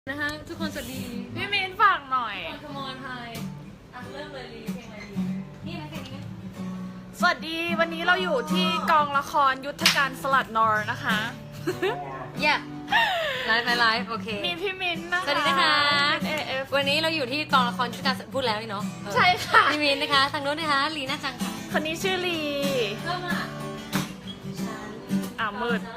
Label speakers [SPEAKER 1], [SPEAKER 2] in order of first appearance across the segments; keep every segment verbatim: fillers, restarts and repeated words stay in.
[SPEAKER 1] นะคะทุกคนสวัสดี
[SPEAKER 2] พี่มินฝากหน่อย
[SPEAKER 1] คอมอนไฮอ่ะเริ่มเลยลีเพลงอะไรดีนี่นะเพลงนี้
[SPEAKER 2] สวัสดีวันนี้เราอยู่ที่กองละครยุทธการสลัดนอร์นะคะ
[SPEAKER 1] เย่ไลฟ์ไลฟ์โอเค
[SPEAKER 2] มีพี่มินนะคะ
[SPEAKER 1] สวัสดีนะคะ
[SPEAKER 2] เอเอฟ
[SPEAKER 1] วันนี้เราอยู่ที่กองละครชุดการพูดแล้วนี่เนาะเออ
[SPEAKER 2] ใช่ค่ะ
[SPEAKER 1] พี่มินนะคะทางโน้นนะคะลีน่าจังค่ะ
[SPEAKER 2] คนนี้ชื่อลี
[SPEAKER 1] เริ่มอ่ะ
[SPEAKER 2] อ่ามืด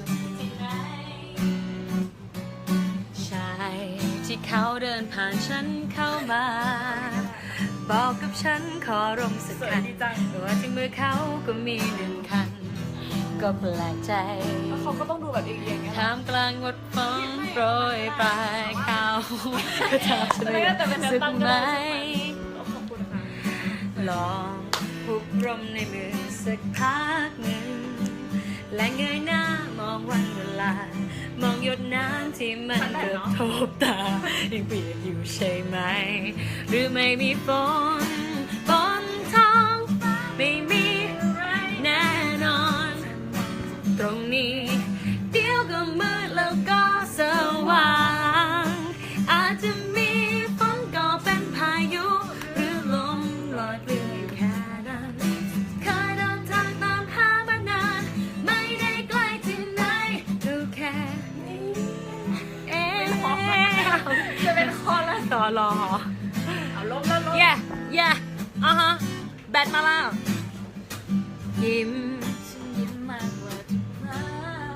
[SPEAKER 1] ชายที่เขาเดินผ่านฉันเข้ามา บอกกับฉันขอรมสัก
[SPEAKER 2] สวย
[SPEAKER 1] คัน
[SPEAKER 2] ดีจัง
[SPEAKER 1] ว่าที่มือเขาก็มีหนึ่งคัน ก็แปลกใจ
[SPEAKER 2] แล้วเขาก็ต้องดูแบบเอียงๆไง
[SPEAKER 1] ท่ามกลางงดฝนโปรยปลายเขาก็ทำฉันรู้สึกไหม
[SPEAKER 2] ขอบคุณค่ะ
[SPEAKER 1] ลองผูกลมในมือสักพักหนึ่ง และเงยหน้ามองวันเวลา มองหยดน้ำที่มันเกือบทบตายังเปียกอยู่ใช่ไหม หรือไม่มีฝนบนท้องฟ้าไม่มีอะไรแน่นอน ตรงนี้เดี๋ยวก็มืดแล้วก็สว่าง อาจจะมีฝนก็เป็นพายุ หรือลมลอยเปลี่ยวอยู่แค่นั้นเคยเดินทางตามหามานาน ไม่ได้ไกลที่ไหนดูแค่นี้เอง
[SPEAKER 2] จะเป็นคอละ
[SPEAKER 1] ต่อรอ
[SPEAKER 2] เอาลบแล้วลบ
[SPEAKER 1] เย่เย่อ่ะฮะแบตมาแล้วยิ้มฉันยิ้มมากกว่าทุกครั้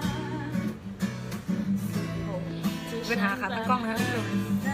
[SPEAKER 1] งปัญหาขาตั้งกล้องนะคะทุกคน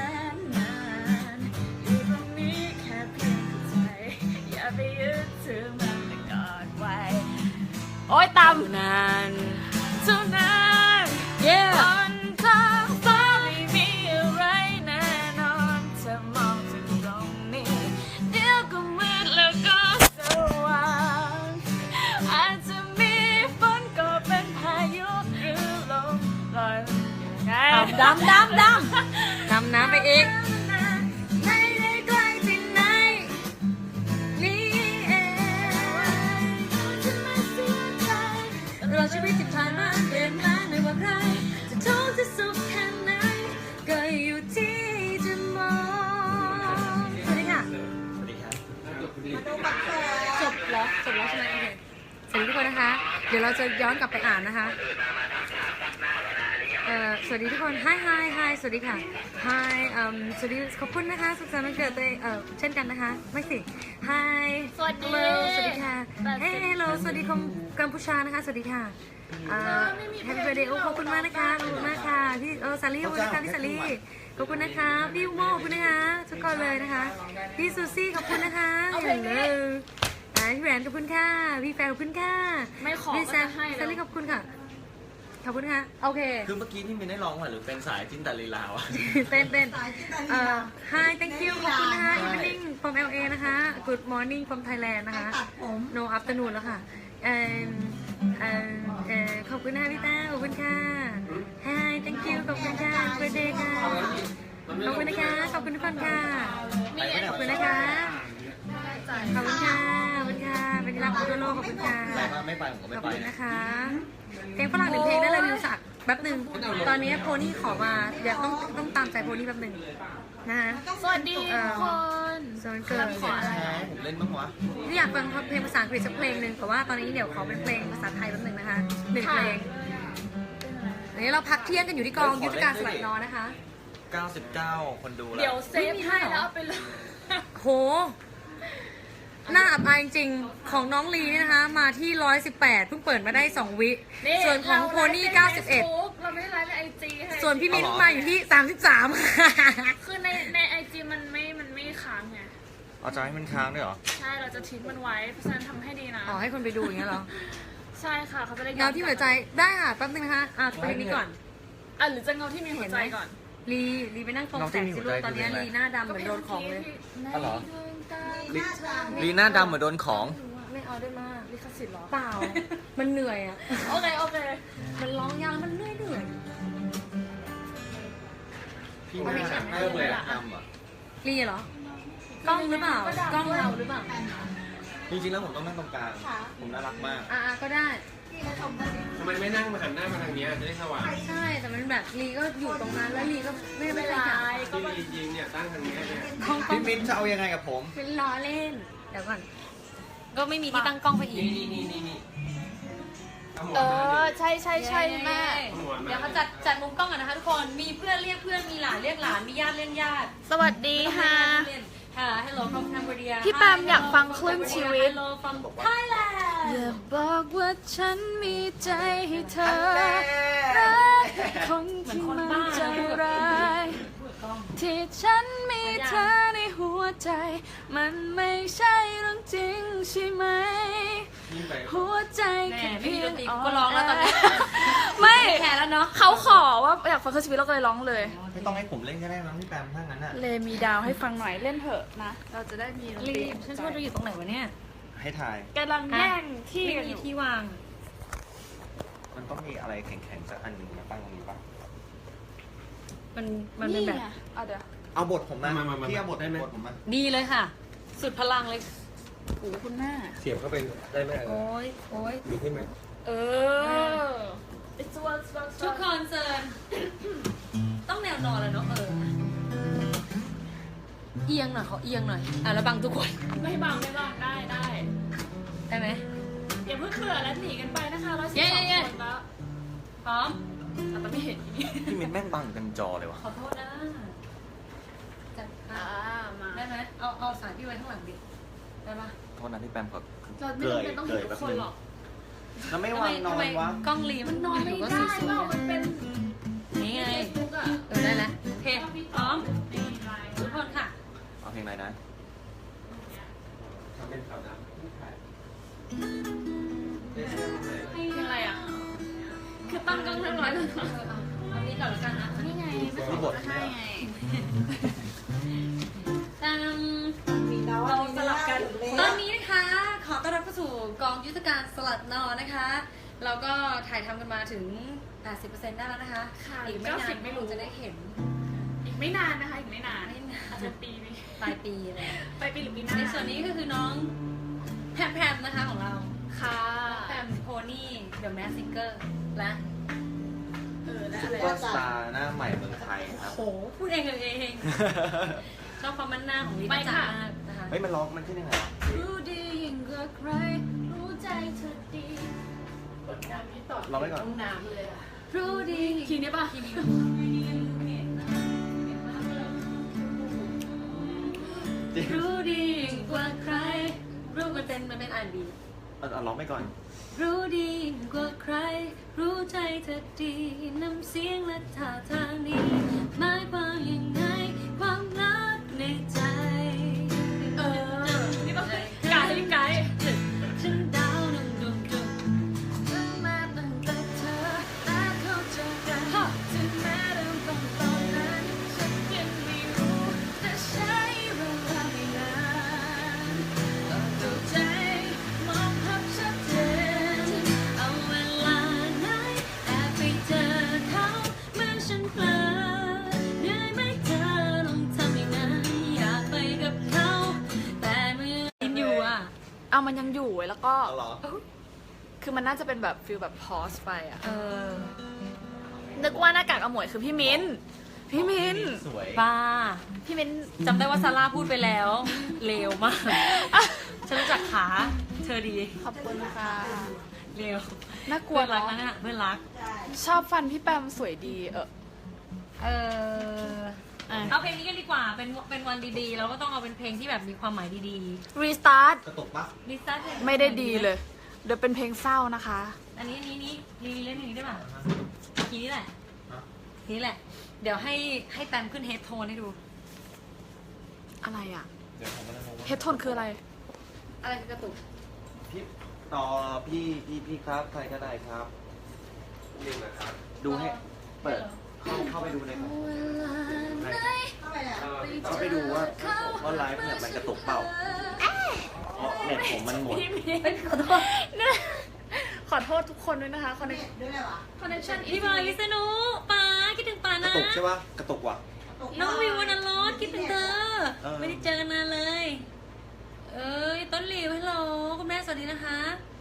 [SPEAKER 2] อยู่ตรงนี้แค่เพียงใจอย่าไปยึดถือมันไปก่อนไว้โอ๊ยต่ำ
[SPEAKER 1] นาน
[SPEAKER 2] เท่านั้น
[SPEAKER 1] เย่
[SPEAKER 2] บนท้องฟ้าไม่มีอะไรแน่นอนเธอมองถึงตรงนี้ เดี๋ยวก็มืดแล้วก็สว่างอาจจะมีฝนก็เป็นพายุหรือลมลอยยังไง
[SPEAKER 1] ดำดำดำดำน้ำไปอีก
[SPEAKER 2] ไม่ได้ไกลที่ไหนนี่เองจะไม่เสียใจ
[SPEAKER 1] เราชีวิตที่ผ่านมาเปลี่ยนแปลงไม่ว่าใครจะทุกข์จะสุขแค่ไหนก็อยู่ที่จะมองสวัสดีค่ะ
[SPEAKER 3] สวัสดีครับ
[SPEAKER 1] จบแล้วจบแล้วใช่ไหมโอเคสวัสดีทุกคนนะคะ เดี๋ยวเราจะย้อนกลับไปอ่านนะคะเอ่อสวัสดีทุกคน hi hi hi สวัสดีค่ะ hi อืมสวัสดีขอบคุณนะคะสุขสันต์วันเกิดตัวเองเอ่อเช่นกันนะคะไม่สิ hi
[SPEAKER 2] สวัสดี
[SPEAKER 1] hello สวัสดีค่ะ
[SPEAKER 2] แปดสิบ
[SPEAKER 1] เฮ้ hello สวัสดีคมกัมพูชานะคะ สวัสดีค่ะเอ่อ happy birthday โอ้ขอบคุณมากนะคะขอบคุณมากค่ะพี่เออสาลีขอบคุณนะคะพี่สาลีขอบคุณนะคะพี่อุโมขอบคุณนะคะทุกคนเลยนะคะพี่ซูซี่ขอบคุณนะคะ
[SPEAKER 2] เอาเพลงนี้
[SPEAKER 1] hello อ่าพี่แหวนขอบคุณค่ะพี่แฟนขอบคุณค่ะ
[SPEAKER 2] ไม่ขอ
[SPEAKER 1] พี่
[SPEAKER 2] ก็
[SPEAKER 1] แซ
[SPEAKER 2] จะ
[SPEAKER 1] ม
[SPEAKER 2] ให้
[SPEAKER 1] ซา
[SPEAKER 2] แล้ว
[SPEAKER 1] ลี่ขอบคุณค่ะขอบคุณค่ะโอเค
[SPEAKER 3] คือเมื่อกี้ที่มินได้ร้องมาหรือเป็นสายจินตลีลาวะ
[SPEAKER 1] เต้นเต้นเอ่อ hi thank you ขอบคุณนะคะ evening from แอล เอ นะคะ good morning from Thailand นะคะ no afternoon แล้วค่ะเอ่อเอ่อเอ่อขอบคุณนะคะพี่แต้วขอบคุณค่ะ hi thank you ขอบคุณค่ะ birthday ค่ะขอบคุณนะคะขอบคุณทุกคนค่ะขอบคุณนะคะขอบคุณค่ะขอบคุณค่ะเป็นที่รักของทั่วโลกขอบคุณค่ะ
[SPEAKER 3] ไปมาไม่ไปผมก็
[SPEAKER 1] ข
[SPEAKER 3] ไม่
[SPEAKER 1] อบ
[SPEAKER 3] ไป
[SPEAKER 1] คุณ
[SPEAKER 3] นะ
[SPEAKER 1] นะคะเพลงฝรั่งหนึ่งเพลงได้เลยวิวสักแป๊บหนึ่งตอนนี้โพนี่ขอมาเดี๋ยวต้องต้องตามใจโพนี่แป๊บหนึ่งนะคะ
[SPEAKER 2] สวัสดีทุกคน
[SPEAKER 1] สวัสดีเกิด
[SPEAKER 2] ขออะไร
[SPEAKER 3] แพ้ผมเล่นบ้างวะ
[SPEAKER 1] ที่อยากฟังเพลงภาษาอังกฤษสักเพลงหนึ่งแต่ว่าตอนนี้เดี๋ยวขอเป็นเพลงภาษาไทยแป๊บหนึ่งนะคะหนึ่งเพลงอันนี้เราพักเที่ยงกันอยู่ที่กองยุทธการสลัดนอนะคะ
[SPEAKER 3] เก้าสิบเก้า คนดูแล้
[SPEAKER 2] เดี๋ยว
[SPEAKER 3] ว
[SPEAKER 2] เซฟให้แล้วเอาไปเลย
[SPEAKER 1] โหหน้าอับอายจริงๆของน้องลีนี่นะคะ มาที่ร้อยสิบแปดเพิ่งเปิดมาได้สองวิส่วนของโพนี่เก้าสิบเอ็ด
[SPEAKER 2] เราไม่ได้ไลฟ์ในไอจีให้
[SPEAKER 1] ส่วนพี่มิ้นมาอยู่ที่สามสิบสาม
[SPEAKER 2] คือในในไอจีมันไม่มันไม่ค้างไง
[SPEAKER 3] เอาจะให้มันค้างด้วยเหรอ
[SPEAKER 2] ใช่เราจะทิ้งมันไว้เพราะฉะนั้นทำให้ดีนะ
[SPEAKER 1] อ๋อให้คนไปดูอย่างเงี้ยเหรอ
[SPEAKER 2] ใช่ค่ะเขาจะได้ย้อน
[SPEAKER 1] เงาที่หัวใจได้ค่ะแป๊บนึงนะคะอ่ะเพลงนี้ก่อน
[SPEAKER 2] อ่ะหรือจะเงาที่มีหัวใจก่อน
[SPEAKER 1] ลีลีไปนั่งตรงแสงสิลูกตอนนี้ลีหน้าดำเหมือนโดนของเลย
[SPEAKER 3] อ๋อเหรอ ลีลีหน้าดำเหมือนโดนของ
[SPEAKER 1] ไม่เอาได้มาก
[SPEAKER 2] ลิขสิทธิ์เหรอ
[SPEAKER 1] เปล่า มันเหนื่อยอ่ะ
[SPEAKER 2] โอเคโอเค
[SPEAKER 1] มันร้องยาวแล้วมันเหนื่อยเหนื่อย
[SPEAKER 3] พี่หน้าหน้าเลยอะดำเหรอ
[SPEAKER 1] ลีเหรอกล้องหรือเปล่ากล้องเราหรือเปล่า
[SPEAKER 3] จริงๆแล้วผมต้องนั่งตรงกลาง ผมน่ารักมาก
[SPEAKER 1] อ่ะอ่ะก็ได้
[SPEAKER 4] ทำไมไม่นั่งมาหันหน้ามาทางเนี้ยจะได้สว่าง
[SPEAKER 1] ใช่แต่มันแบบลีก็อยู่ตรงนั้นแล้วลีก็ไม่ไม่
[SPEAKER 2] ไม่
[SPEAKER 1] ได้
[SPEAKER 2] ไร
[SPEAKER 1] จับ
[SPEAKER 2] ก็
[SPEAKER 4] ที่จริงเนี่ยตั้งทางเนี้ยเนี่ย
[SPEAKER 1] กล้องกล้อ
[SPEAKER 3] พี่
[SPEAKER 1] ง
[SPEAKER 3] มิ้นจะเอายังไงกับผม
[SPEAKER 1] เป็นล้อเล่นเดี๋ยวก่อนก็ไม่มีที่ตั้งกล้องไปอีก
[SPEAKER 4] นี่นี่นี่นี่นี่เอาหมอน
[SPEAKER 2] เอ
[SPEAKER 4] มา
[SPEAKER 2] อ
[SPEAKER 4] ดิ
[SPEAKER 2] ใช่ใช่ใช่แม่
[SPEAKER 1] เดี๋ยวเขาจัดจัดมุมกล้องกันนะคะทุกคนมีเพื่อนเรียกเพื่อนมีหลานเรียกหลานมีญาติเรียกญาติ
[SPEAKER 2] สวัสดีค่ะ
[SPEAKER 1] ค่ะ Hello from Cambodia
[SPEAKER 2] พี่แปมอยากฟังคลื่นชีวิต
[SPEAKER 1] Hello from Thailand
[SPEAKER 2] อย่าบอกว่าฉันมีใจให้เธอรักคนที่มันใจร้ายที่ฉันมีเธอในหัวใจ มันไม่ใช่เรื่องจริงใช่ไหม
[SPEAKER 4] ยิ่งไป
[SPEAKER 2] หัวใจ
[SPEAKER 1] แหม
[SPEAKER 2] แค่
[SPEAKER 1] ไม่
[SPEAKER 2] เพี
[SPEAKER 1] มี
[SPEAKER 2] ย
[SPEAKER 1] ด
[SPEAKER 2] ง
[SPEAKER 1] นตรีก็ร้องแล้วตอนนี้
[SPEAKER 2] ไม่
[SPEAKER 1] แข่แล้วเนาะ
[SPEAKER 2] เขาขอว่าอยากฟังคลื่นชีวิตเราก็เลยร้องเลย
[SPEAKER 3] ไม่ต้องให้ผมเล่นก็ได้มั้งพี่แปมถ้างั้นอ่ะ
[SPEAKER 2] เลมีดาวให้ฟังหน่อยเล่นเถอะนะ เราจะได้มีดนต
[SPEAKER 1] รี
[SPEAKER 2] รี
[SPEAKER 1] บฉันชอบจะอยู่ตรงไหนวะเนี่ย
[SPEAKER 3] ให้ถ่าย
[SPEAKER 2] กำลังแย่งที่
[SPEAKER 1] ไม่
[SPEAKER 2] กันอ
[SPEAKER 1] มี
[SPEAKER 2] ยู่
[SPEAKER 1] ที่วาง
[SPEAKER 3] มันต้องมีอะไรแข็งๆสักอันหนึ่งมาตั้งตรงนี้ป่ะ
[SPEAKER 1] มันมันเป็นแบบ
[SPEAKER 2] ไงเอาเดี๋ยว
[SPEAKER 3] เอาบทผมมา
[SPEAKER 4] มามามา
[SPEAKER 3] พี่เอาบท
[SPEAKER 4] ได้ไหม
[SPEAKER 3] บทผมมา
[SPEAKER 1] ดีเลยค่ะ สุดพลังเลย
[SPEAKER 2] โอ้คุณแม่
[SPEAKER 4] เสียบเข้าไปได้ไหม
[SPEAKER 1] โอ้ยโอ้ย
[SPEAKER 4] มีขึ้นไหม
[SPEAKER 2] เออ It's one one
[SPEAKER 1] ทุกคอนเซิร์นต้องแนวนอนแล้วเนาะเออเอียงหน่อยเขาเอียงหน่อยอ่ะแล้วบังทุกคน
[SPEAKER 2] ไม่บังไม่บังได้ได้
[SPEAKER 1] ได้ไหม
[SPEAKER 2] อย่าเพิ่งเบื่อแล้วหนีกันไปนะคะร้อยสิบ
[SPEAKER 1] เย้
[SPEAKER 2] สอง
[SPEAKER 1] เย้
[SPEAKER 2] คนแล้ว
[SPEAKER 1] พร้อม
[SPEAKER 2] อ่ะแต่ไม่เห็นอีนี่
[SPEAKER 3] พี่มิ้นแม่งบังกันจอเลยวะ
[SPEAKER 1] ขอโทษนะจัด
[SPEAKER 2] อ่ามา
[SPEAKER 1] ได้ไหมเอาเอาสายพี่ไว้ข้างหลังดิได้ปะ
[SPEAKER 3] โทษนะพี่แปมขอ
[SPEAKER 2] เราไม่จำเป็นต้องเห็นทุกคนหรอก
[SPEAKER 3] แล้วไม่
[SPEAKER 1] ทำ
[SPEAKER 3] วา
[SPEAKER 1] ไม
[SPEAKER 3] งนอ
[SPEAKER 1] ทำไม
[SPEAKER 3] นวะ
[SPEAKER 1] กล้องรีมัน
[SPEAKER 2] นอนไม่
[SPEAKER 1] ก็
[SPEAKER 2] ได้
[SPEAKER 1] สวย
[SPEAKER 2] ว่า
[SPEAKER 1] ๆ
[SPEAKER 2] มันเป็น
[SPEAKER 1] นี่ไง
[SPEAKER 2] เฟซบุ๊กอ่ะ
[SPEAKER 1] เออได้แล้วโอเคพร้อมทุกคนค่ะ
[SPEAKER 3] เอาเพลงอะไรนะ
[SPEAKER 4] ทำเป็นขาวดำผู้ถ่าย
[SPEAKER 2] เพลงอะไรอ่ะ คือตั้งกล้องเรียบร้อยแล้ว
[SPEAKER 1] เออเอาเอานี้ก่อนแล้วกันนะ
[SPEAKER 2] นี่ไงไม่
[SPEAKER 3] มีบท
[SPEAKER 2] ใช่ไง
[SPEAKER 1] ตาม
[SPEAKER 2] เราสลับกัน
[SPEAKER 1] ตอนนี้นะคะ ขอต้อนรับเข้าสู่กองยุทธการสลัดนอนะคะ เราก็ถ่ายทำกันมาถึง แปดสิบเปอร์เซ็นต์ ได้แล้วนะคะ
[SPEAKER 2] ค่ะ
[SPEAKER 1] อีกไม่นาน
[SPEAKER 2] ไม่รู้
[SPEAKER 1] จะได้เห็น
[SPEAKER 2] อีกไม่นานนะคะ อีกไม่นาน
[SPEAKER 1] ไม่นาน
[SPEAKER 2] อาจจะปีนี้
[SPEAKER 1] ปลายปีเลย
[SPEAKER 2] ไปปีหรือปีหน้า
[SPEAKER 1] ในส่วนนี้ก็คือน้องแพมแพมนะคะของเรา
[SPEAKER 2] ค่ะ
[SPEAKER 1] แพมโพนี่เดอะแมสซิงเกอร์และ
[SPEAKER 2] เออและ
[SPEAKER 3] ซุ
[SPEAKER 2] อะไร
[SPEAKER 3] ปเปอร์สตาร์หน้าใหม่เมืองไทยครับ
[SPEAKER 1] โหพูดเองเลยเอง ชอบความมันหน้าของลิ
[SPEAKER 2] ไป
[SPEAKER 1] ซ่า
[SPEAKER 2] ค่ะ
[SPEAKER 1] มากนะคะ
[SPEAKER 3] เฮ้ยมันร้องมันขึ้นยังไงวะ
[SPEAKER 2] รู้ดียิ่งกว่าใคร รู้ใจเธอดีกดน้ำที่ต่อ
[SPEAKER 3] ร้องไว้ก่อน
[SPEAKER 2] ห้องน้ำเลยอะ
[SPEAKER 1] รู้ดี
[SPEAKER 2] ทีนี้ป่ะ
[SPEAKER 1] ทีนี้รู้ดีกว่าใคร รู้มันเป็นมันเป็นอ่านบี
[SPEAKER 3] เอาเอาร้องไปก่อน
[SPEAKER 1] รู้ดีกว่าใคร รู้ใจเธอดีน้ำเสียงและท่าทางนี้หมายความยังไงความรักในใจ
[SPEAKER 2] เออ นี่ป่ะไกด์ไกด์
[SPEAKER 1] ฉันดาวดวงดวงดวง
[SPEAKER 2] ตั้งมาตั้งแต่เธอและเขาเจอกันถึงแม้เริ่มต้นตอนนั้นฉันยังไม่รู้แต่ใช้เวลาไม่นานต้องเข้าใจมองภาพชัดเจน
[SPEAKER 1] เอาเวลาไหนแอบไปเจอเขาเมื่อฉันเผลอเหนื่อยไหมเธอต้องทำอย่างนั้นอยากไปกับเขาแต่เมื่อยินอยู่อ่ะ
[SPEAKER 2] เอามันยังอยู่ไว้แล้วก็
[SPEAKER 3] เอาเหรอ
[SPEAKER 2] คือมันน่าจะเป็นแบบฟิลแบบพอสไปอะ
[SPEAKER 1] เออ
[SPEAKER 2] นึกว่าหน้ากากอมวยคือพี่มิ้น พี่มิ้น
[SPEAKER 3] สวย
[SPEAKER 1] ป้า
[SPEAKER 2] พี่มิ้น
[SPEAKER 1] จำได้ว่าซาร่าพูดไปแล้วเลวมาก ฉันรู้จักขาเธอดี
[SPEAKER 2] ขอบคุณค่ะ
[SPEAKER 1] เลว
[SPEAKER 2] น่ากลั
[SPEAKER 1] เพื่
[SPEAKER 2] ว
[SPEAKER 1] อนรัก
[SPEAKER 2] เนาะ
[SPEAKER 1] นะเนี่ยเพื่อนรัก
[SPEAKER 2] ชอบฟันพี่แปมสวยดี เออ
[SPEAKER 1] เออ
[SPEAKER 2] อ่ะ
[SPEAKER 1] เอาเพลงนี้กันดีกว่า เป็นเป็นวันดีๆ เราก็ต้องเอาเป็นเพลงที่แบบมีความหมายดี
[SPEAKER 2] รีสตาร์ท
[SPEAKER 3] กระตุกปะ
[SPEAKER 1] ๆลิซ่าเพลง
[SPEAKER 2] ไม่ได้ดีเลย เดี๋ยวเป็นเพลงเศร้านะคะ
[SPEAKER 1] อันนี้อันนี้นี่รีเล่นอย่างนี้ได้ป่ะทีนี้แหละทีนี้แหละ เดี๋ยวให้ให้แตมขึ้นเฮดโทนให้ดู
[SPEAKER 2] อะไรอะ
[SPEAKER 3] เดี๋ยวผมกำลังงงว่า
[SPEAKER 2] เฮดโทนคืออะไร
[SPEAKER 1] อะไรคือกระตุก
[SPEAKER 3] พี่ต่อพี่พี่พี่ครับใครก็ได้ครับ
[SPEAKER 4] นี่นะครับ
[SPEAKER 3] ดูให้เปิดเข้าเข้าไปดูในของเข้าไปดูว่าว่าไลฟ์เนี่ยมันกระตุกเปล่าเพราะเน็ตผมมันหมด
[SPEAKER 2] พี่มิ้นขอโทษขอโทษทุกคนด้วยนะคะคอนเนคคอนเนคชั่น
[SPEAKER 1] พี่บอยวิษณุป้าคิดถึงป้าก
[SPEAKER 3] ระ
[SPEAKER 1] นะ
[SPEAKER 3] ตุกใช่ปะกระตุกว่ะ
[SPEAKER 1] น้องวิววรรณรสคิดถึงเธอ
[SPEAKER 3] เออ
[SPEAKER 1] ไม่ได้เจอกันนานเลย เอ้ยต้นหลิวฮัลโหลคุณแม่สวัสดีนะคะ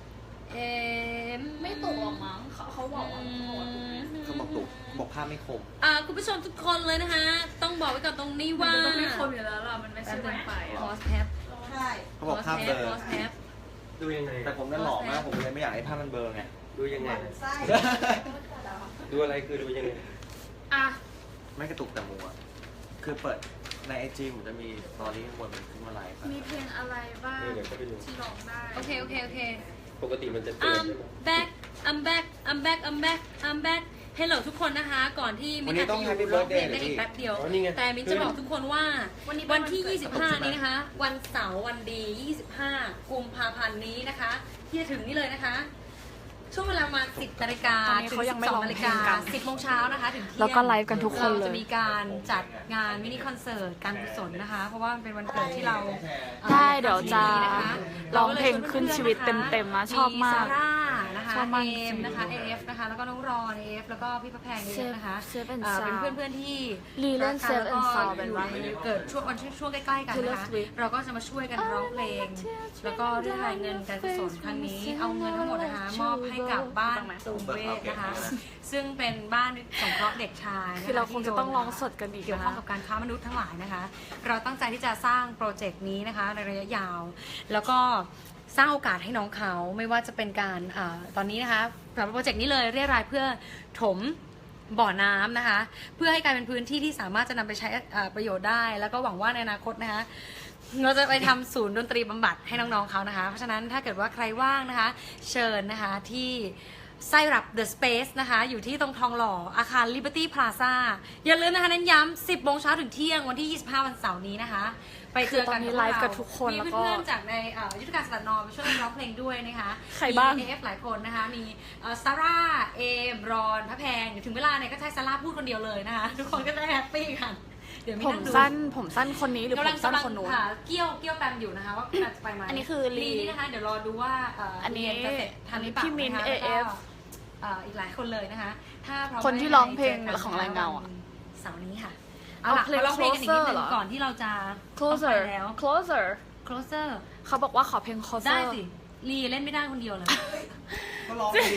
[SPEAKER 1] เอ็ม
[SPEAKER 2] ไม่ตกหรอกมั้งเขาเขาบอกว่าเขาบอกว่าถูกไหม
[SPEAKER 3] เขาบอกตุกบอกภาพไม่คม
[SPEAKER 1] อ่าคุณผู้ชมทุกคนเลยนะคะ ต้องบอกไว้ก่อนตรงนี้
[SPEAKER 2] มัน
[SPEAKER 1] ว่า
[SPEAKER 2] จะต้องไม่คมอยู่แล้วล่ะมันไม่ใช่เกินไป
[SPEAKER 1] พอสแท็บ
[SPEAKER 5] ใช่
[SPEAKER 3] เขาบอกภาพเบลอ
[SPEAKER 1] พอสแท็บ
[SPEAKER 4] ดูยังไง
[SPEAKER 3] แต่ผมนั่นหล่อมากผมเลยไม่อยากให้ภาพมันเบลอไง
[SPEAKER 4] ดูยังไง
[SPEAKER 5] ไส้
[SPEAKER 4] ดูอะไรคือดูยังไง
[SPEAKER 2] อ่ะ
[SPEAKER 3] ไม่กระตุกแต่มัวคือเปิดในไอจีผมจะมีตอนนี้ข้างบนมันขึ้นมาไลฟ์
[SPEAKER 2] มีเพลงอะไรบ้าง
[SPEAKER 4] เดี๋ยวก็ไปดู
[SPEAKER 2] ที่ร้องได้
[SPEAKER 1] โอเคโอเคโอเค
[SPEAKER 4] ปกติมันจะเตือน
[SPEAKER 1] I'm
[SPEAKER 4] ใช่ไหม
[SPEAKER 1] back I'm back I'm back I'm back I'm back Hello ทุกคนนะคะ ก่อนที่มินอาจจะอยู่ร้องเพลงได้อีกแป๊บเดียว แต่มินจะบอกทุกคนว่าวันที่ ยี่สิบห้า นี้นะคะ วันเสาร์วันดี ยี่สิบห้า กุมภาพันธ์นี้นะคะ ที่จะถึงนี่เลยนะคะ ช่วงเวลาประมาณสิบนาฬิกา
[SPEAKER 6] ตอนนี้
[SPEAKER 1] ถึง
[SPEAKER 6] เขายังไม่
[SPEAKER 1] สิบส
[SPEAKER 6] ร้
[SPEAKER 1] อ
[SPEAKER 6] อง ง
[SPEAKER 1] นาฬิ
[SPEAKER 6] เพล
[SPEAKER 1] กาง
[SPEAKER 6] กัน
[SPEAKER 1] สิบโมงเช้านะคะถึงเที่ยง
[SPEAKER 6] แล้วก็ไลฟ์กันทุกคนเลย
[SPEAKER 1] ราจะมีการจัดงานมินิคอนเสิร์ตการกุศลนะคะ เพราะว่ามันเป็นวันเกิดที่เรา
[SPEAKER 6] ได้เดี๋ยวจะ
[SPEAKER 1] นะคะ
[SPEAKER 6] ร้องเพลงขึ้นชีวิตเต็มๆนะชอบมาก
[SPEAKER 1] ซาร่านะคะ
[SPEAKER 6] ชอบมาก
[SPEAKER 1] เอมนะคะเอฟนะคะแล้วก็น้องรอนเอฟแล้วก็พี่พระแพงเอฟนะคะ
[SPEAKER 6] เซฟเซฟ and
[SPEAKER 1] เอ่อเป็น
[SPEAKER 6] Sound
[SPEAKER 1] เพื่อนๆที่
[SPEAKER 6] ลีเล่น
[SPEAKER 1] รักกัน
[SPEAKER 6] Safe
[SPEAKER 1] แล้ว
[SPEAKER 6] and
[SPEAKER 1] ก็
[SPEAKER 6] Sound เป็น
[SPEAKER 1] อยู่
[SPEAKER 6] ว่า
[SPEAKER 1] ในเกิดช่วงวันช่วงใกล้ๆกันนะคะ
[SPEAKER 6] Taylor Swift
[SPEAKER 1] เราก็จะมาช่วยกันร้องเพลง แล้วก็เรียกรายเงินการกุศลครั้งนี้ เอาเงินทั้งหมดนะคะมอบให้กับบ้านตูมเวทนะคะ ซึ่งเป็นบ้านสงเคราะห์เด็กชายนะคะ
[SPEAKER 6] คือเราคงจะต้องร้องสดกันอีก
[SPEAKER 1] เกี่ยว
[SPEAKER 6] นะ
[SPEAKER 1] ข้องกับการค้ามนุษย์ทั้งหลายนะคะ เราตั้งใจที่จะสร้างโปรเจกต์นี้นะคะในระยะยาว แล้วก็สร้างโอกาสให้น้องเขาไม่ว่าจะเป็นการอาตอนนี้นะคะสำหรับโปรเจกต์นี้เลยเรียรายเพื่อถมบ่อน้ำนะคะ เพื่อให้กลายเป็นพื้นที่ที่สามารถจะนำไปใช้อ่าประโยชน์ได้ แล้วก็หวังว่าในอนาคตนะคะ เราจะไปทำศูนย์ดนตรีบำบัดให้น้องๆเขานะคะ เพราะฉะนั้นถ้าเกิดว่าใครว่างนะคะ เชิญนะคะที่ไส้รับ The Space นะคะ อยู่ที่ตรงทองหล่ออาคาร Liberty Plaza อย่าลืมนะคะนั้นย้ำสิบโมงเช้าถึงเที่ยงวันที่ยี่สิบห้าวันเสาร์นี้นะคะ ไปเจอกัน
[SPEAKER 6] คือตอนนี้ไลฟ์กับทุกคน
[SPEAKER 1] มี
[SPEAKER 6] แล้วก็
[SPEAKER 1] เพื่อนๆจากในเอ่อยุทธการสลัดนอมาช่วยร้องเพลงด้วยนะคะ
[SPEAKER 6] ใครบ้าง
[SPEAKER 1] มี เอ เอฟ หลายคนนะคะ มีซาร่า เอม รอน พระแพงเดี๋ยวถึงเวลาเนี่ยก็ใช้ซาร่าพูดคนเดียวเลยนะคะ ทุกคนก็จะได้แฮปปี้กัน เดี๋ยวมี
[SPEAKER 6] ผม
[SPEAKER 1] นั่งดู
[SPEAKER 6] สั้นผมสั้นคนนี้หรือผ
[SPEAKER 1] กำลั
[SPEAKER 6] ม
[SPEAKER 1] ง
[SPEAKER 6] สั้น
[SPEAKER 1] กำลัง
[SPEAKER 6] คนนู้น
[SPEAKER 1] หาเกี้ยวเกี้ยวแปมอยู่นะคะว่าจะไปไหม
[SPEAKER 6] อันนี้คือลี
[SPEAKER 1] นี่นะคะ เดี๋ยวรอดูว่าเ
[SPEAKER 6] อันนี้
[SPEAKER 1] เรียจะเสร็จทันหรือเปล่า
[SPEAKER 6] พี่มิ้น
[SPEAKER 1] นะคะ
[SPEAKER 6] เอ
[SPEAKER 1] แล้วก็
[SPEAKER 6] ฟ
[SPEAKER 1] เอ่ออีกหลายคนเลยนะคะ ถ้าพร้อม
[SPEAKER 6] คนที่ร้องเพลงของรายเงาอะ
[SPEAKER 1] เสาร์นี้ค่ะ เอาล่ะ
[SPEAKER 6] เอาเพลง
[SPEAKER 1] มาร้องเพลงกันอีกนิดนึ
[SPEAKER 6] Closer เหรง อ
[SPEAKER 1] ก่อนที่เราจะ
[SPEAKER 6] closer
[SPEAKER 1] ต้องไปแล้ว
[SPEAKER 6] closer
[SPEAKER 1] closer
[SPEAKER 6] เขาบอกว่าขอเพลง closer
[SPEAKER 1] ได้สิลีเล่นไม่ได้คนเดียวเลย
[SPEAKER 3] ก็ร้องไปดิ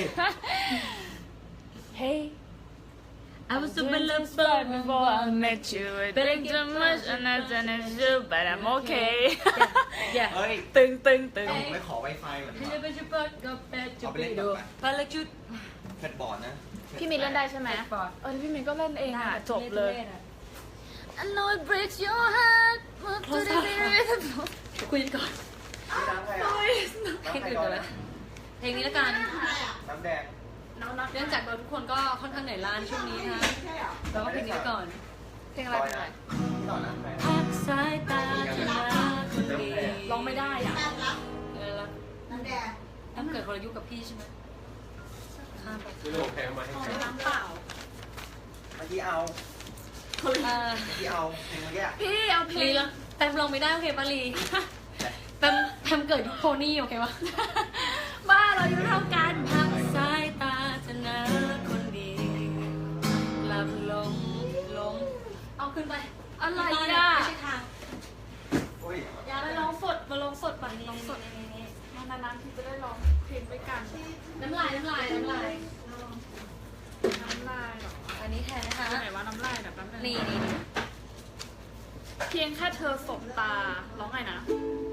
[SPEAKER 6] Hey
[SPEAKER 1] I was so in love before
[SPEAKER 6] I met you Think too much and I didn't you but I'm okay
[SPEAKER 1] yeah
[SPEAKER 3] เฮ้ย
[SPEAKER 6] ตึงตึงตึง
[SPEAKER 3] ผมไม่ขอ Wi-Fi เหมือน
[SPEAKER 1] พี่
[SPEAKER 3] กัน
[SPEAKER 1] เล่นเป็นชุดเปิดก็เป็นจุด
[SPEAKER 3] เอาไป
[SPEAKER 1] ไป
[SPEAKER 3] เล่น
[SPEAKER 1] ดู
[SPEAKER 3] ก่อน
[SPEAKER 1] พลังจุด
[SPEAKER 3] แพดบอร์ดนะ
[SPEAKER 6] พี่มินเล่นได้ใช่ไหม
[SPEAKER 1] บอร์ด
[SPEAKER 6] เออพี่มินก็เล่นเองอ่ะจบเลย
[SPEAKER 2] I know it breaks your heart Move to the beat
[SPEAKER 1] คุยกันก่อน
[SPEAKER 3] น้ำใครอ่ะ
[SPEAKER 1] เพลงอื่นก่อนเลยเพลงนี้แล้วกัน
[SPEAKER 3] น้ำแดง
[SPEAKER 1] เนื่องจากเราทุกคนก็ค่อนข้างเหนื่อยล้าในช่วงนี้นะคะเราก็เพลงนี้ไว้ก่อน
[SPEAKER 6] เพลงอะไร
[SPEAKER 3] ต่อย
[SPEAKER 6] เพลงอะไร
[SPEAKER 3] นะต่อนะใคร
[SPEAKER 1] พักสายตาจะมาคนดี
[SPEAKER 6] ร้องไม่ได้อ่ะ
[SPEAKER 1] เออแล้ว
[SPEAKER 5] น้ำแดง
[SPEAKER 1] ต้องเกิดคนละยุคกับพี่ใช่ไหมข้ามไป
[SPEAKER 4] คือโลแพงมาให้ใคร
[SPEAKER 2] น้ำเปล่า
[SPEAKER 3] เมื่อกี้เอา
[SPEAKER 1] เออ
[SPEAKER 3] เมื่อกี้เอาเพลงเมื่อกี้อะ
[SPEAKER 2] พี่เอาเพล
[SPEAKER 1] ลี
[SPEAKER 2] ง
[SPEAKER 1] แล้วแปมลงไม่ได้โอเคปะลีแปมแปมเกิดยุคโพนี่โอเควะ
[SPEAKER 2] บ้าเราอยู่เท่ากัน
[SPEAKER 1] พักสายตาจะนะคนดีหลับลงลงเอาขึ้นไป
[SPEAKER 2] อะไร
[SPEAKER 1] ไม่
[SPEAKER 2] อ่ะ
[SPEAKER 1] ใช่ทาง
[SPEAKER 3] โอ้ย
[SPEAKER 1] อย่าไปลองสดมาลองสดไปลองสด
[SPEAKER 2] นานๆที่จะได้ร้องเพลงด้วยกัน
[SPEAKER 1] น้ำลายน้ำลายน้ำลาย
[SPEAKER 2] น้ำลายเหรอ
[SPEAKER 1] อันนี้แทนนะคะ
[SPEAKER 2] ไหนว่าน้ำลายแบบนั้น
[SPEAKER 1] นี่นี่นี่
[SPEAKER 2] เพียงแค่เธอสบตาร้องไงนะ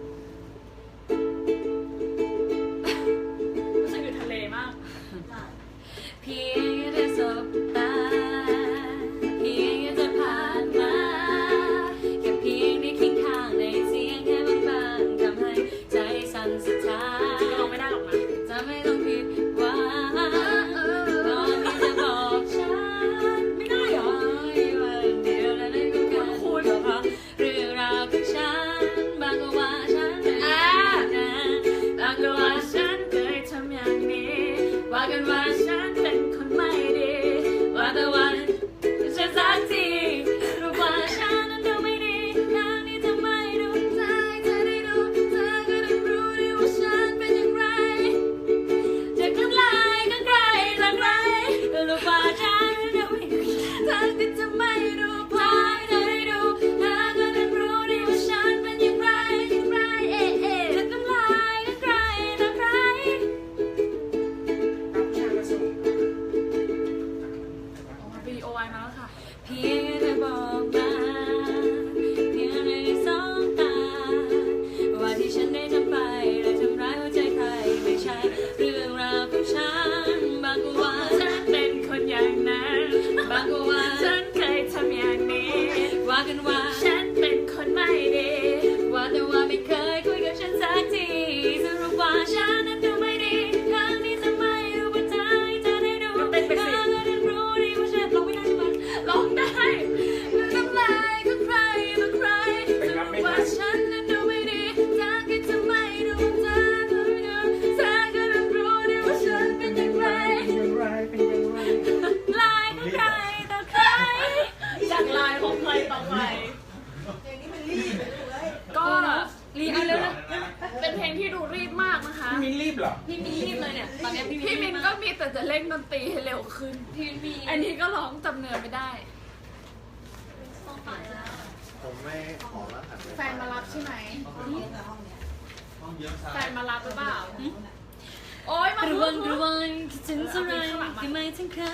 [SPEAKER 2] รู้สึกอยู่ทะเลมาก
[SPEAKER 1] เพียงแค่สบตาเพียงแค่เธอผ่านมาแค่เพียงได้คิดข้างในเสียงแค่บางๆทำให้ใจสั่นสะท้าน
[SPEAKER 2] ร้องไม่ได้หรอกนะ
[SPEAKER 1] จะไม่ต้องผิดหวังตอนที่จะบอกฉันไม่ได้หรอวันเดียวและนั่นก็คือคุณเพราะเรื่องราวของฉันบางก็ว่าว่ากันว่า
[SPEAKER 2] ฉันเป็นคนไม่ดี
[SPEAKER 1] ว่าแต่ว่าไม่เคยคุยกับฉันสักทีสรุปว่าฉันนั้นดูไม่ดีครั้งนี้จะไม่ดูว่าเธอให้เธอได้ดู
[SPEAKER 2] ก็เต้นไปสิ
[SPEAKER 1] เธอก็ได้รู้ดีว่าฉันร้องไม่ได้ใช่ไหม
[SPEAKER 2] ร้องได้น้ำลายของใครมาใครสรุปว่าฉันนั้นดูไม่ดีถ้าคิดจะไม่ดูว่าเธอดูเธอก็ได้รู้ดีว่าฉันเป็นอย่างไร
[SPEAKER 1] ลายของใครต่อใคร
[SPEAKER 2] จากลายของใครต่อใครก็
[SPEAKER 1] รีเอาเร็วนะ
[SPEAKER 2] เป็นเพลงที่ดูรีบมากนะคะ
[SPEAKER 4] มินรีบเหรอ
[SPEAKER 1] พี่มินรีบเลยเนี่ยตอนนี้พี่
[SPEAKER 2] พี่มินก็มีแต่จะเล่นดนตรีให้เร็วขึ้น
[SPEAKER 1] พี่มินมี
[SPEAKER 2] อันนี้ก็ร้องจำเนื้อไม่ได้
[SPEAKER 3] ผมไม่ขอรหัสเลย
[SPEAKER 2] แฟนมารับใช่ไหมแฟนมารับหรือเปล่าโอ๊ยมา
[SPEAKER 1] ระ
[SPEAKER 2] พู
[SPEAKER 1] วั
[SPEAKER 2] ด
[SPEAKER 1] งระวังคิดถึงเท่าไรที่ไม่ถึงเขา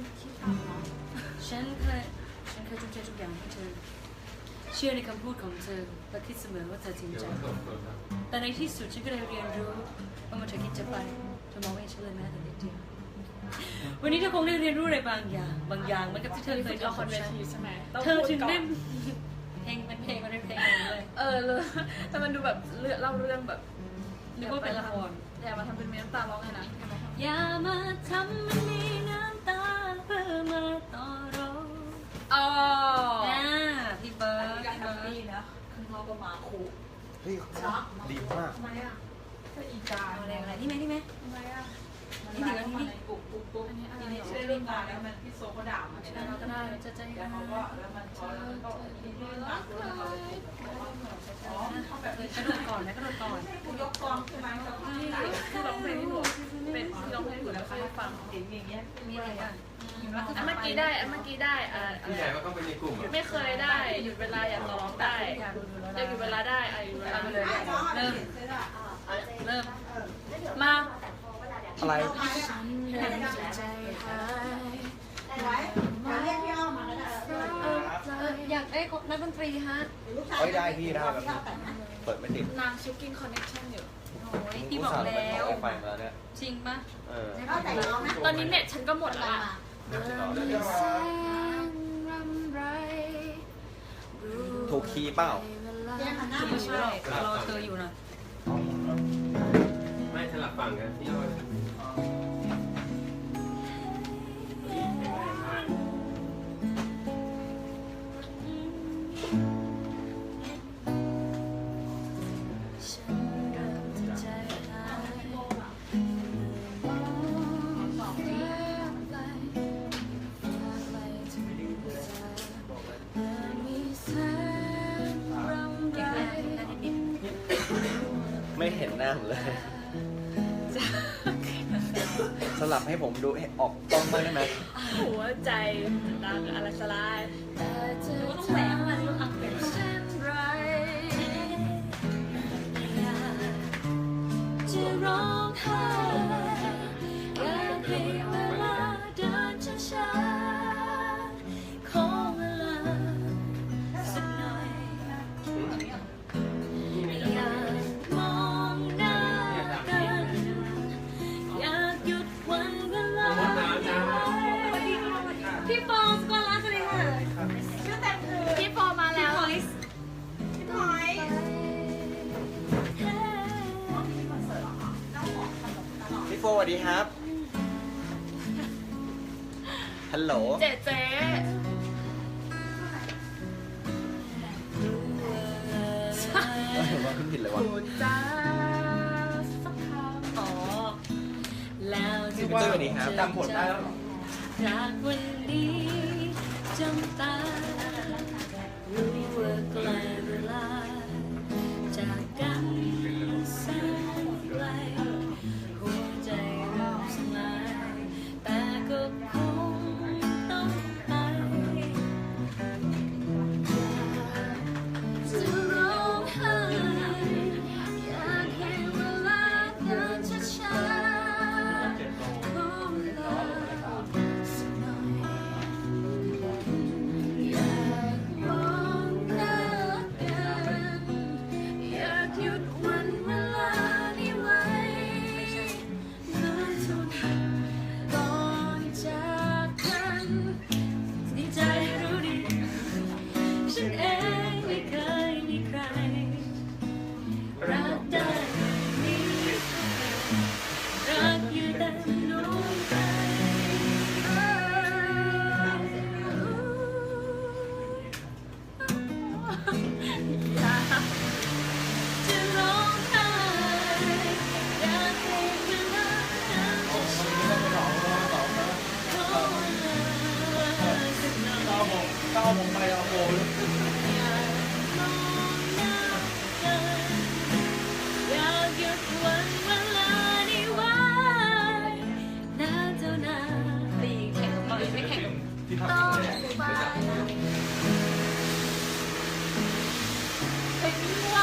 [SPEAKER 1] ฉันเคยฉันเคยทุ่มเททุกอย่างให้เธอ เชื่อในคำพูดของเธอและคิดเสมอว่าเธอจริงใจ แต่ในที่สุดฉันก็ได้เรียนรู้ว่าเมื่อเธอคิดจะไปเธอมองไม่เห็นฉันเลยแม้แต่นิดเดียววันนี้เธอคงได้เรียนรู้อะไรบางอย่าง บางอย่างเหมือนกับที่เธอเคย
[SPEAKER 2] ละ
[SPEAKER 1] ทำ
[SPEAKER 2] ค
[SPEAKER 1] กั
[SPEAKER 2] ร
[SPEAKER 1] บ
[SPEAKER 2] เว
[SPEAKER 1] ฉัน
[SPEAKER 2] ทีใช่ไหม
[SPEAKER 1] เธอถึงได้เพลงเป็นเพลงมันเป็นเพลงเลย
[SPEAKER 2] เออเลยแต่มันดูแบบเรื่องเล่าเรื่องแบบ
[SPEAKER 1] นึกว่าเป็นละคร
[SPEAKER 2] อย่ามาทำเป็นเมีน้ำตาร้องไงนะ
[SPEAKER 1] อย่ามาทำมันมีน้ำตาเพื่อมาต่อรอง
[SPEAKER 2] อ๋อ
[SPEAKER 1] อ่าพี่เบิร์ดพี่เบิร์ด
[SPEAKER 3] เฮ้ยดีมาก
[SPEAKER 1] เอาอะไรอะไรนี่ไหมนี่ไหมนี่ถืออันนี้นี่
[SPEAKER 2] อันนี้อะไร
[SPEAKER 5] ใช่เรื่องงานแล้วมันพี่โซก็ด่ามัน
[SPEAKER 2] เราก็ได้
[SPEAKER 1] จะใจ
[SPEAKER 5] แล้ว
[SPEAKER 1] ร้า
[SPEAKER 5] เขาก็
[SPEAKER 1] ย
[SPEAKER 5] แล้วมันพอแล้วมันก็มีเรื่องงานด้วยเราเลยอ๋อเขาแบบ
[SPEAKER 1] กระโดดก่อนนะกระโดดก่อน
[SPEAKER 5] กูยกกองใช่ไหมเขาก็
[SPEAKER 2] ที่ที่ร้องเพลงที่หนูเป็นที่ร้องเพลงที่หนูแล้วให้ฟัง
[SPEAKER 5] เห็นอย่างเงี้ย
[SPEAKER 1] มีอะไรอ่ะ
[SPEAKER 2] อันเมื่อกี้ได้อันเมื่อกี้ได้อ่า
[SPEAKER 4] พี่ใหญ่ว่าเข้าไปในกลุ่มอ่ะ
[SPEAKER 2] ไม่เคยได้หยุดเวลาอยากร้องได้อยากหยุดเวลาได้อ่ะหยุดเวลาเลย
[SPEAKER 1] เริ่มเริ่ม
[SPEAKER 2] มา
[SPEAKER 3] อะไร
[SPEAKER 2] ฉันเริ่มจะใจหาย
[SPEAKER 7] ไว้เรียกพี่อ้อมมาแล้วนะ
[SPEAKER 1] เอออยากได้นักดนตรีฮะ
[SPEAKER 3] เอ้ยได้พี่ได้แบบนี้เปิดไม่ติด
[SPEAKER 2] นางชิคกิ้งคอนเนคชั่นอยู่
[SPEAKER 1] โอ้ยพี่บอกแล้ว
[SPEAKER 3] ไฟมาแล้วเนี่ย
[SPEAKER 1] จริงปะ
[SPEAKER 3] เออ
[SPEAKER 7] เข้าใจน้องนะ
[SPEAKER 2] ตอนนี้เน็ตฉันก็หมดแล้วอ่ะ
[SPEAKER 3] ถูกคีย์เปล่า
[SPEAKER 7] เรียกมันหน้า
[SPEAKER 1] ไม่ใช่รอเธออยู่นะ
[SPEAKER 4] ไม่สลับฝั่งกันพี่อ้อย
[SPEAKER 1] ฉันเริ่มจะใจหายมองเรียบไปฝากไปถึงเธอและมีแสงรำไร
[SPEAKER 3] ไม่เห็นหน้าผมเลย สลับให้ผมดูให้ออกกล้องบ้างได้ไหม
[SPEAKER 2] หัวใจดังอะไรสลาย
[SPEAKER 1] แต่เธอต้องแหวกมันต้องอักเป็น
[SPEAKER 2] เช่นไร
[SPEAKER 1] อยากจะร้องไห้อยากให้เวลาเดินช้าๆขอเวลาสักหน่อย อยากมองหน้ากันอยากหยุดวันเวลาพี่ปองสกอลาสวัสดีค่ะ
[SPEAKER 7] ชื่อเต็มคือ
[SPEAKER 2] พี่โฟมาแล้ว
[SPEAKER 7] พี่พลอย
[SPEAKER 3] พี่โฟสวัสดีครับ ฮัลโหล
[SPEAKER 2] เจ๊เจ๊
[SPEAKER 3] ว่าขึ้นผิดเลยวะ
[SPEAKER 2] คุณจ้าสักคำ
[SPEAKER 1] อ๋อแล้ว
[SPEAKER 3] พี่เจ้สวัสดีครับจำผลได้แล้วเหรอ
[SPEAKER 1] จากวันนี้จำตารู้ว่าไกลเวลาจากกันแสนไกลหัวใจเริ่มสลายแต่ก็คงต้องไปจะร้องไห้อยากให้เวลาเดินช้าๆขอเวลาสักหน่อยอยาก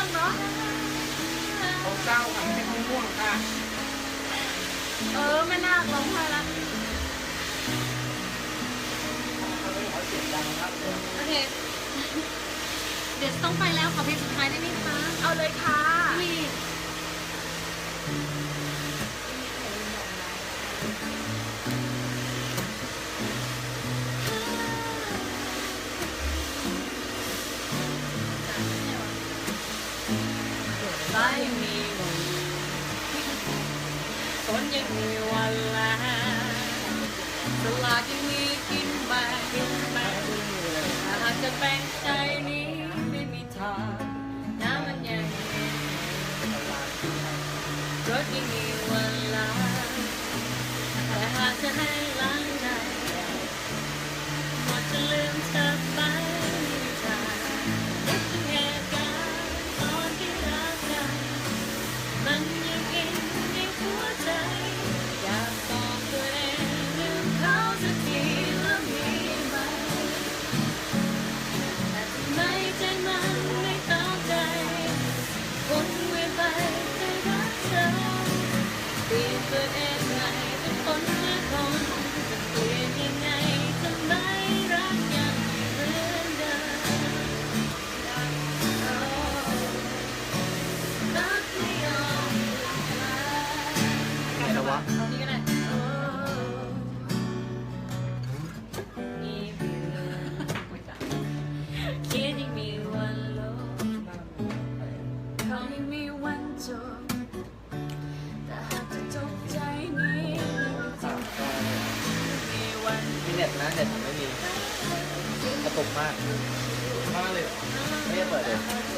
[SPEAKER 2] งเนาะ
[SPEAKER 5] เขาเศร้าค่ะไม่ใช่เขาง่วงค่ะ
[SPEAKER 2] เออไม่น่าร้องไห้ละ
[SPEAKER 1] โอเค เดี๋ยวจะต้องไปแล้วขอเพลงสุดท้ายได้ไหมคะ
[SPEAKER 2] เอาเลยค่ะ
[SPEAKER 1] พี่
[SPEAKER 6] สายยังมีวันฝนยังมีวันลาสลากยังมีกินแบ่งกินแบ่งถ้าหากจะแบ่งใจนี้ไม่มีทางน้ำมันยังมีรถยังมีวันลาแต่หากจะให้ล้างใจหมดจะลืมเธอไปไม่มีทางนึกถึงเหตุการณ์ตอนที่รักกัน มันยังอินในหัวใจอยากบอกตัวเองลืมเขาสักทีแล้วมีไหมแต่ทำไมใจมันไม่เข้าใจวนเวียนไปแต่รักเธอเปลี่ยนตัวเองใหม่เป็นคนละคนจะเปลี่ยนยังไงทำไมรักยังเหมือนเดิม รักไม่ยอมลา
[SPEAKER 3] อะไรวะ
[SPEAKER 6] เอานี้ก็ได้โอ้มีเบื่อคิดยังมีวันลบเขายังมีวันจบแต่หากจะจบใจนี้ไม่จริงมีวัน
[SPEAKER 3] มีเน็ตนะเน็ตผมไม่มีกระตุกมาก
[SPEAKER 4] มาเลย
[SPEAKER 3] ไม่ได้เปิดเลย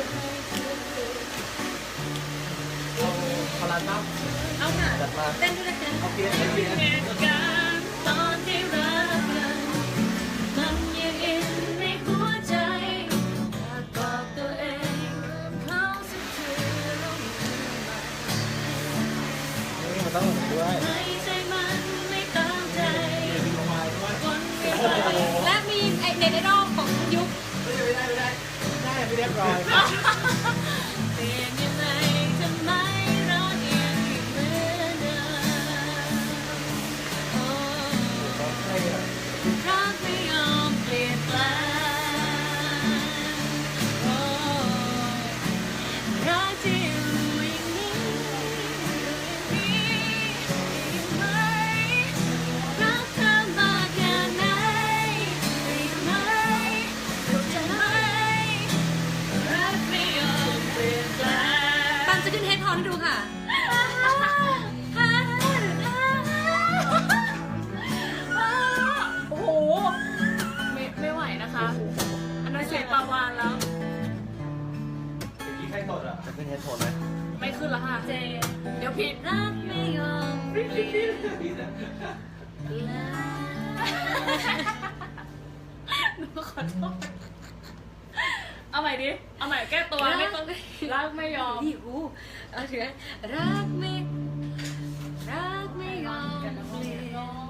[SPEAKER 3] พลังน้
[SPEAKER 1] เอาค่ะ
[SPEAKER 3] ำจัดมา
[SPEAKER 1] เต้นด้วยนะคะ
[SPEAKER 3] เอาเพียนเอาเพียน
[SPEAKER 6] เหตุการณ์ตอนที่รักกันมันยังอินในหัวใจอยากบอกตัวเองเขาสักทีแล้วมีไหม
[SPEAKER 3] นี่มันต้องหนุนด้วย
[SPEAKER 6] ไม่ใจมันไม่ตั้งใจวนเวียนไป
[SPEAKER 1] และมีไอเน็ตไอดอลของยุค
[SPEAKER 3] ไม่ได้ไม่ได้ไม่ได้ได้ไม่เรียบร้อย
[SPEAKER 6] เปลี่ยนยังไงทำไมรักยังเหมือนเดิมโอ้รักไม่ยอมเปลี่ยนแปลงโอ้รักที่อยู่อย่างนี้อยู่อย่างนี้ได้ไหมรักเธอมากแค่ไหนได้ไหมเข้าใจไหมรักไม่ยอมเปลี่ยนแปลง
[SPEAKER 1] ปันจะขึ้นเฮดฮอนให้ดูค่ะ
[SPEAKER 2] โอ้โห ไม่ไม่ไหวนะคะ อันนั้นเสียงปลาวานแล้ว
[SPEAKER 4] เมื่อกี้ใครตดอ่ะ
[SPEAKER 3] จะขึ้นเฮดโฟนไหม
[SPEAKER 2] ไม่ขึ้นแล้วค่ะ
[SPEAKER 1] เจ
[SPEAKER 2] เดี๋ยวผิด
[SPEAKER 1] รักไม่ยอมเปลี่ยน
[SPEAKER 4] พี่นะ
[SPEAKER 2] หนูขอโทษ เอาใหม่ดิ เอาใหม่แก้ตัวไม่ต้องรักไม่ยอม
[SPEAKER 1] ที่หูเอาเถอะรักไม่รักไม่ยอมเปลี่ยนแปลง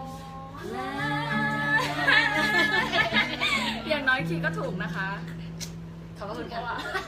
[SPEAKER 2] อย่างน้อยคีย์ก็ถูกนะคะ
[SPEAKER 1] ขอบคุณค่ะ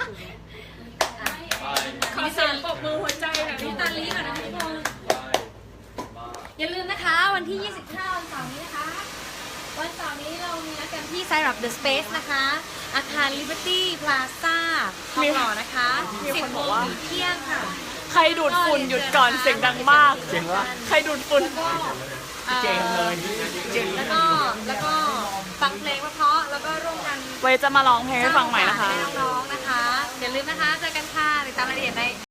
[SPEAKER 4] ไป
[SPEAKER 2] ขอเสียงปรบมือหัวใจหน่อย
[SPEAKER 1] น้ำตาลีก่อนนะทุกคน
[SPEAKER 4] ไปไป
[SPEAKER 1] อย่าลืมนะคะวันที่ ยี่สิบห้า วันเสาร์นี้นะคะ วันเสาร์นี้เรามีนัดกันที่ไซรัปเดอะสเปซนะคะ อาคาร Liberty Plaza ทองหล่อนะคะ
[SPEAKER 2] มีคน
[SPEAKER 1] สิบโม
[SPEAKER 2] บอก
[SPEAKER 1] ง
[SPEAKER 2] ว่า
[SPEAKER 1] ถึงเที่ยงค่ะ
[SPEAKER 2] ใครดูดฝุ่นหยุดก่อนเสียงดังมาก
[SPEAKER 3] เจ๋งวะ
[SPEAKER 2] ใครดูดฝุ่น
[SPEAKER 1] ก็อ่อ
[SPEAKER 3] เจ๋งเลยเจ๋ง
[SPEAKER 1] แล้วก็แล้วก็ฟังเพลงเพราะๆแล้วก็ร่วมกัน
[SPEAKER 2] ไว้จะมาร้องเพลงให้ฟังใหม่นะคะ
[SPEAKER 1] ให้น้องๆนะคะ อย่าลืมนะคะ เจอกันค่ะติดตามรายละเอียดใน